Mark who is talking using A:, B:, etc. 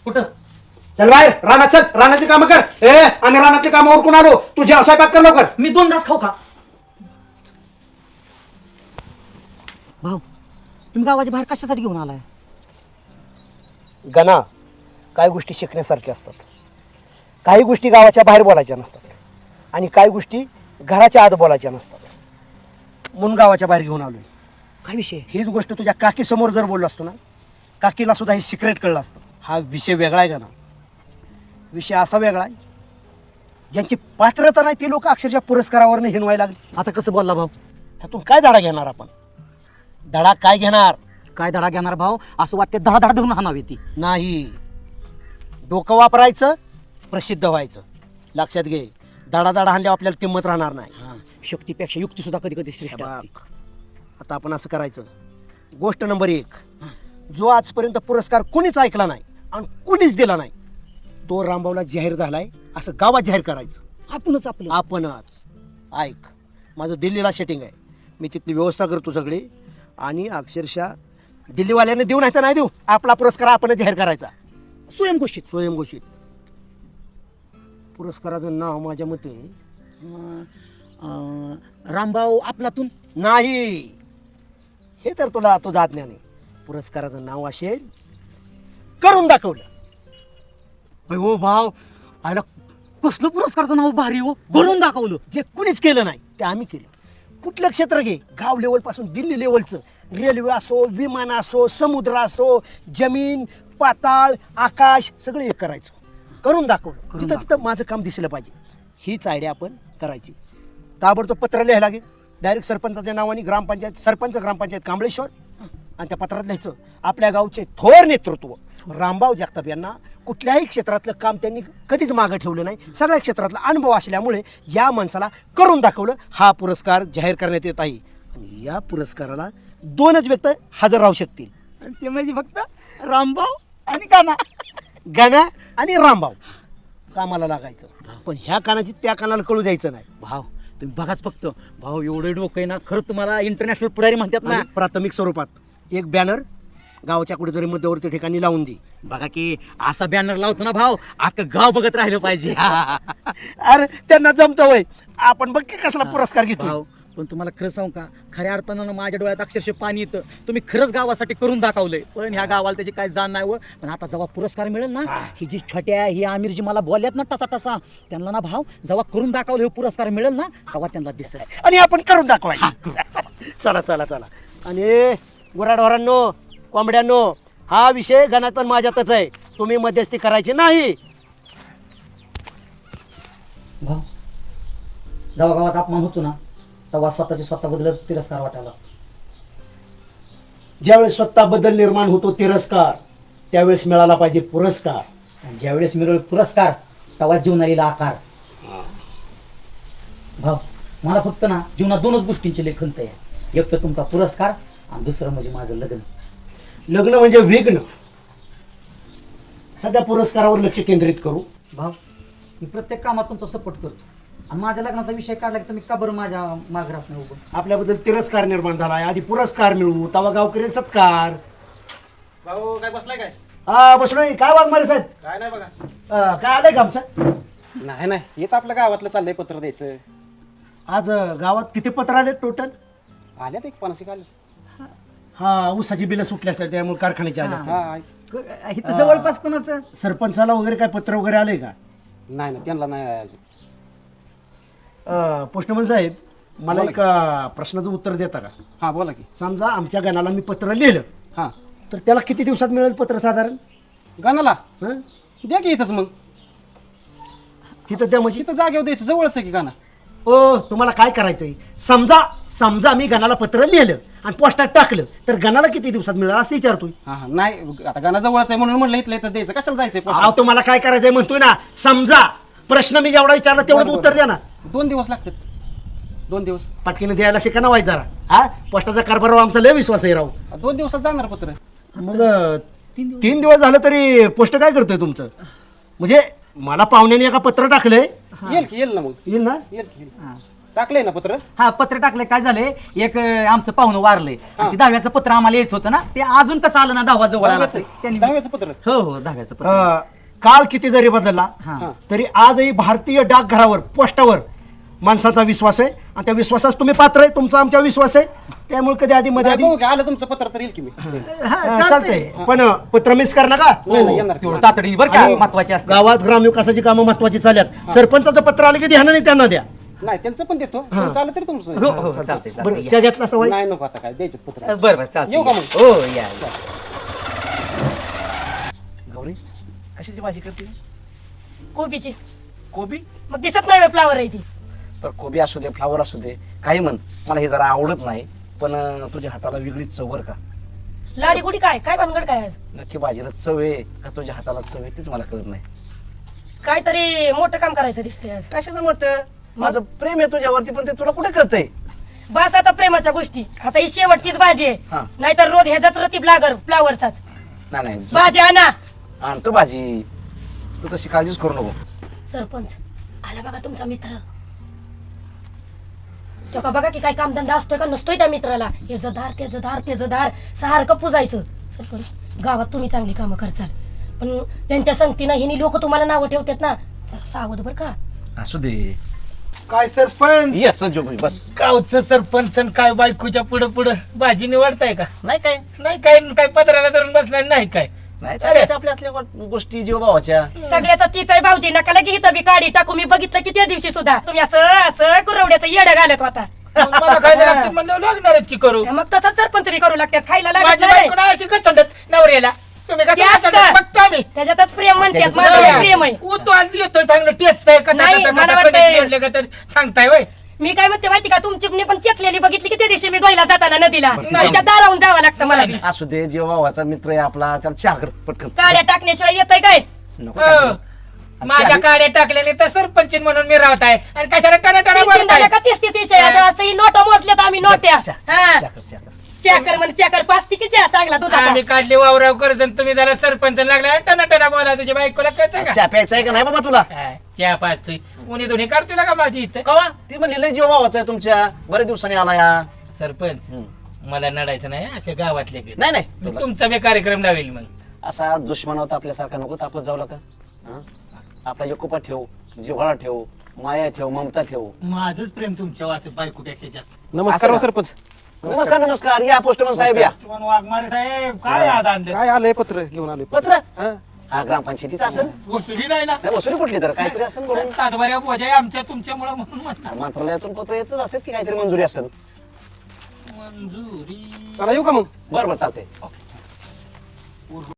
A: कुठं?
B: चल बाहेर रानात, चल रानातली कामं कर. आम्ही रानातली कामं उरकून आलो. तुझ्या स्वयंपाक कर लवकर.
A: मी 2 तास खाऊ का? भाऊ तुम्ही गावाच्या बाहेर कशासाठी घेऊन आलाय?
B: गणा, काही गोष्टी शिकण्यासारख्या असतात. काही गोष्टी गावाच्या बाहेर बोलायच्या नसतात आणि काही गोष्टी घराच्या आत बोलायच्या नसतात. म्हणून गावाच्या बाहेर घेऊन आलोय.
A: काय विषय?
B: हीच गोष्ट तुझ्या काकीसमोर जर बोललो असतो ना, काकीला सुद्धा हे सिक्रेट कळलं असतं. हा विषय वेगळा आहे का ना? विषय असा वेगळा आहे, ज्यांची पात्रता नाही ते लोक अक्षरशः पुरस्कारावरनं हिनवायला लागले.
A: आता कसं बोलला भाऊ?
B: ह्यातून काय धडा घेणार आपण? धडा काय घेणार?
A: काय धडा घेणार भाऊ? असं वाटते धडा धरून हाणावी ती.
B: नाही, डोकं वापरायचं, प्रसिद्ध व्हायचं. लक्षात घे, धडा हाणल्यावर आपल्याला किंमत राहणार नाही.
A: शक्तीपेक्षा युक्ती सुद्धा कधी कधी श्रेष्ठ असते.
B: बघ, आता आपण असं करायचं. गोष्ट नंबर 1, जो आजपर्यंत पुरस्कार कुणीच ऐकला नाही आणि कुणीच दिला नाही, तो रामभाऊला जाहीर झालाय असं गावात जाहीर करायचं. आपणच. ऐक, माझं दिल्लीला सेटिंग आहे. मी तिथली व्यवस्था करतो सगळी आणि अक्षरशः दिल्लीवाल्याने देऊ नाही तर नाही देऊ, आपला पुरस्कार आपणच जाहीर करायचा. स्वयंघोषित. पुरस्काराचं नाव माझ्या मते
A: रामभाऊ आपलातून
B: नाही, हे तर तुला तो जात नाही. पुरस्काराचं नाव असेल करून दाखवलं.
A: हो भाऊ, आयला कसलं पुरस्काराचं नाव भारी हो, करून दाखवलं.
B: जे कुणीच केलं नाही ते आम्ही केलं. कुठलं क्षेत्र घे, गाव लेवलपासून दिल्ली लेवलचं, रेल्वे असो, विमान असो, समुद्र असो, जमीन पाताळ आकाश सगळं एक करायचं. करून दाखवलं. तिथं माझं काम दिसलं पाहिजे. हीच आयडिया आपण करायची. ताबडतोब पत्र लिहायला लागेल डायरेक्ट सरपंचाच्या नावाने. सरपंच ग्रामपंचायत कांबळेश्वर, आणि त्या पत्रात लिहायचं आपल्या गावचे थोर नेतृत्व रामभाऊ जगताप यांना कुठल्याही क्षेत्रातलं काम त्यांनी कधीच मागं ठेवलं नाही. सगळ्या क्षेत्रातला अनुभव असल्यामुळे या माणसाला करून दाखवलं. हा पुरस्कार जाहीर करण्यात येत आहे आणि या पुरस्काराला 2च व्यक्ती हजर राहू शकतील.
A: आणि ते म्हणजे फक्त रामभाऊ आणि काना.
B: गणा आणि रामभाऊ कामाला लागायचं. पण ह्या कानाची त्या कानाला कळू द्यायचं नाही.
A: भाऊ तुम्ही बघाच फक्त, भाऊ एवढे डोकं आहे ना, खरं तुम्हाला इंटरनॅशनल पुढारी म्हणतात ना.
B: आणि प्राथमिक स्वरूपात एक बॅनर गावाच्या कुठेतरी मध्यवर्ती ठिकाणी लावून दे.
A: बघा की असा बॅनर लावतो ना भाऊ, अख्खं गाव बघत राहिलं पाहिजे.
B: अरे त्यांना जमतं वय, आपण बघ की कसला पुरस्कार घेतो.
A: भाऊ पण तुम्हाला खरं सांगू का, खऱ्या अर्थानं माझ्या डोळ्यात अक्षरशः पाणी येतं. तुम्ही खरंच गावासाठी करून दाखवलंय, पण ह्या गावाला त्याची काय जाण नाही. पण आता जेव्हा पुरस्कार मिळेल ना, ही जी छोट्या ही आमिर जी मला बोलल्यात ना टसा त्यांना ना भाऊ, जेव्हा करून दाखवलं हे पुरस्कार मिळेल ना, तेव्हा त्यांना दिसेल
B: आणि आपण करून दाखवायचं. चला. आणि गुराढोरांनो, कोंबड्यांनो, हा विषय गणातन माझ्यातच आहे. तुम्ही मध्यस्थी करायची नाही.
A: भाऊ जेव्हा गावात अपमान होतो ना, तेव्हा स्वतःबद्दल तिरस्कार वाटायला.
B: ज्यावेळेस स्वतःबद्दल निर्माण होतो तिरस्कार, त्यावेळेस मिळाला पाहिजे पुरस्कार.
A: आणि ज्यावेळेस मिळेल पुरस्कार, तेव्हा जीवनाला आकार. भाऊ मला फक्त ना जीवनात 2च गोष्टींची लई खंत आहे. एक तर तुमचा पुरस्कार आणि दुसरं म्हणजे माझं लग्न.
B: लग्न म्हणजे विघ्न. सध्या पुरस्कारावर लक्ष केंद्रित करू.
A: भाऊ मी प्रत्येक कामात तुमचा सपोर्ट करतो, आणि माझ्या लग्नाचा विषय काढला की तुम्ही का बरं माझ्या मागे राहत नाही उभं?
B: आपल्याबद्दल तिरस्कार निर्माण झाला आहे, आधी पुरस्कार मिळवू, तवा गावकरी सत्कार.
C: भाऊ काय बसलाय काय?
B: हा बसलोय. काय वाघमारे साहेब?
C: काय नाही बघा.
B: काय आलंय का आमचं?
C: नाही हेच आपल्या गावातलं चाललंय पत्र द्यायचं.
B: आज गावात किती पत्र आले टोटल?
C: आल्यात एक 50 आले.
B: हा, ऊसाची बिलं सुटली असतात त्यामुळे कारखान्याचे आले असतील.
C: हा
A: इथं जवळपास कोणाचं?
B: सरपंचाला वगैरे काय पत्र वगैरे आले का?
C: नाही त्यांना नाही अजून.
B: पोस्टमन साहेब, मला एक प्रश्नाचं उत्तर देता का?
C: हा बोला की.
B: समजा आमच्या गणाला मी पत्र लिहिलं,
C: हा
B: तर त्याला किती दिवसात मिळेल पत्र साधारण?
C: गाण्याला
B: हं?
C: द्या की इथंच मग.
B: इथं त्या म्हणजे
C: इथं जागेवर द्यायचं, जवळच आहे की गाणं.
B: ओ, तुम्हाला काय करायचंय? समजा मी गणाला पत्र लिहिलं आणि पोस्टात टाकलं, तर गणाला किती दिवसात मिळेल असं विचारतोय.
C: हा नाही आता गाणं जवळच आहे म्हणून म्हणलं इथलं इथं द्यायचं. कशाला जायचंय?
B: अहो, तुम्हाला काय करायचंय म्हणतोय ना. समजा प्रश्न मी जेवढा विचारला तेवढं उत्तर द्या ना.
C: 2 दिवस लागतात. 2 दिवस.
B: पटकीने द्यायला शिका ना वाईट जरा. हा, पोस्टाचा कारभार आमचा लय विश्वास आहे राव.
C: 2 दिवसात जाणार पत्र.
B: मग 3 दिवस झालं तरी पोस्ट काय करतोय तुमचं? म्हणजे मला पाहुण्याने एका पत्र टाकलंय.
C: येईल ना मग.
B: येईल ना?
C: येईल की. टाकलंय ना पत्र
A: हा पत्र टाकलंय. काय झालंय एक आमचं पाहुणं वारलंय आणि ते 10व्याचं पत्र आम्हाला यायचं होतं ना, ते अजून कसं आलं ना 10वा जवळ आला ते. त्यांनी
C: 10व्याचं पत्र
A: हो हो 10व्याचं पत्र.
B: काल किती जरी बदलला
A: हा.
B: तरी आजही भारतीय डाकघरावर पोस्टावर माणसाचा विश्वास आहे आणि त्या विश्वासास तुम्ही पात्र आहे. तुमचा आमच्या विश्वास आहे, त्यामुळे कधी आधी मध्ये आधी
C: बघू की आलं तुमचं पत्र तर येईल की मी
A: हा,
B: चालतंय. पण पत्र मिस कर नका.
C: नाही, नाही, येणार.
A: तेवढं तातडी बरं का
B: आणि
A: महत्वाची असते.
B: गावात ग्रामविकासाची कामं महत्वाची चालल्यात. सरपंचाचं पत्र आलं की ध्यानाने त्यांना द्या.
C: नाही त्यांचं पण देतो तुमचं आलं तरी तुमचं
A: हो हो चालतंय
B: बरं
A: चालतंय.
B: चहा घेतला सवय.
C: नाही नको आता काय द्यायचं पत्र
A: बरं बरं चालतंय.
C: येऊ का मग?
A: हो या या.
D: गौरी कशाची भाजी करते
E: कोबीची.
D: कोबी
E: मग दिसत नाही फ्लावर आहे ती.
D: तर कोबी असू दे फ्लावर असू दे काही म्हण मला हे जरा आवडत नाही पण तुझ्या हाताला वेगळीच चव बरं का
E: लाडी गुडी काय काय भानगड काय आज?
D: नक्की भाजीला चव आहे का तुझ्या हाताला चव आहे तेच मला कळत नाही
E: काहीतरी मोठं काम करायचं दिसतंय आज.
D: कशाचं म्हटतं माझं प्रेम आहे तुझ्यावरती पण ते तुला कुठे कळतंय
E: बस आता प्रेमाच्या गोष्टी. आता ही शेवटचीच भाजी
D: हा.
E: आहे, नाहीतर रोज ह्याच्यात रतीब लागल फ्लावरचाच.
D: नाही नाही
E: भाजी आणा.
D: आणतो भाजी तू तशी काळजीच करू नको
E: सरपंच आला बघा तुमचा मित्र. तो का बघा की काय कामधंदा असतोय का नसतोय त्या मित्राला. त्याचं धार त्याचं धार त्याचं धार सारखं पुजायचं. सरपंच गावात तुम्ही चांगली कामं करचाल पण त्यांच्या संगतीनं हिनी लोक तुम्हाला नावं ठेवतात ना, जरा सावध बर का.
D: असू दे
F: काय सरपंच
D: ये संजू भाई बस
F: गावचं सरपंच आणि काय बायकोच्या पुढं पुढं भाजी निवडताय का?
D: नाही काय
F: नाही काय काय पत्राला धरून बसला नाही काय?
D: नाही चालेल आपल्या असल्या गोष्टी जीव भावाच्या
E: सगळ्याचा तीच आहे भाऊजी. नका लगे इथं बी काढी टाकू. मी बघितलं की त्या दिवशी सुद्धा तुम्ही असं असं कुरवड्याचं येडं घालत होता.
F: मग मला खायला लागते म्हणलं लागणार आहेत की करू.
E: मग तसंच सरपंच बी करू लागतात. खायला लागत
F: माझी
E: नाही.
F: बायको नाही अशी कचंडत नवऱ्याला. तुम्ही
E: ते
F: कसं
E: असतं.
F: कचंडत बघतो आम्ही.
E: त्याच्यातच प्रेम म्हणतात. माझं प्रेम आहे.
F: उतो आणि येतोय चांगलं टेचतंय
E: नाही, मला वाटतंय-
F: का तर सांगताय वय
E: मी काय म्हणते माहिती का, तुमची मी पण चेतलेली बघितली की त्या दिवशी मी गोयला जाताना नदीला.
F: नाही.
E: तुमच्या दाराहून जावं लागतं मला बी.
D: असू दे जीव भावाचा मित्र आहे आपला त्याला चहा कर पटकन
E: काड्या टाकण्याशिवाय येतंय काय?
D: नको
F: हो.
D: टाकू.
F: माझ्या
D: चहा-
F: काड्या टाकल्याने तर सरपंच म्हणून मी राहत आहे आणि कशाला टणा टणा
E: तीन
F: बोलताय
E: झाल्या का 30-30 नोटा मोजल्यात आम्ही नोट्या.
D: चहा-
E: हा.
D: चहा कर, चहा कर.
E: चॅकर म्हणजे चॅकर पाचती की चहा चांगला दुधाचा.
F: आम्ही काढले वावराव करत आणि तुम्ही जरा सरपंच लागला टना टना बोला तुझ्या बायकोला कळतं का?
D: चहा प्यायचा आहे का नाही बाबा तुला
F: हा, चहा पाचतोय उन्ही दोन्ही काढतोय का माझी इथं
D: कवा ती म्हणली लय जीव भावाचा आहे तुमच्या बऱ्याच दिवसांनी आला या
F: सरपंच
D: हम्म.
F: मला नडायचं नाही असे गावातले की.
D: नाही नाही
F: मी
D: तुला
F: तुमचा बी कार्यक्रम लावेल मग.
D: असा दुश्मन होता आपल्यासारखा नको तर आपलं जाऊ का आपला एकोपा ठेव जिव्हाळा ठेव माया ठेव ममता ठेव
F: माझंच प्रेम तुमच्या वासे बायकुट्याच्या जास्त.
C: नमस्कार
D: असं
C: हो
D: का?
C: सरपंच
D: नमस्कार नमस्कार या पोस्टमन साहेब या
F: वाघमारे साहेब काय आज आणले?
C: काय आलंय पत्र घेऊन आलोय
D: पत्र
C: हा.
D: हा ग्रामपंचायतीचं असेल
F: वसुली नाही ना
D: नाही वसुली कुठली तर काहीतरी असेल म्हणून
F: सातबाऱ्या बोजा आहे आमच्या तुमच्यामुळे म्हणून म्हणतात.
D: मंत्रालयातून पत्र येतच असतात की काहीतरी मंजुरी असेल
F: मंजुरी
C: चला येऊ का मग
D: बरं बरं चालतंय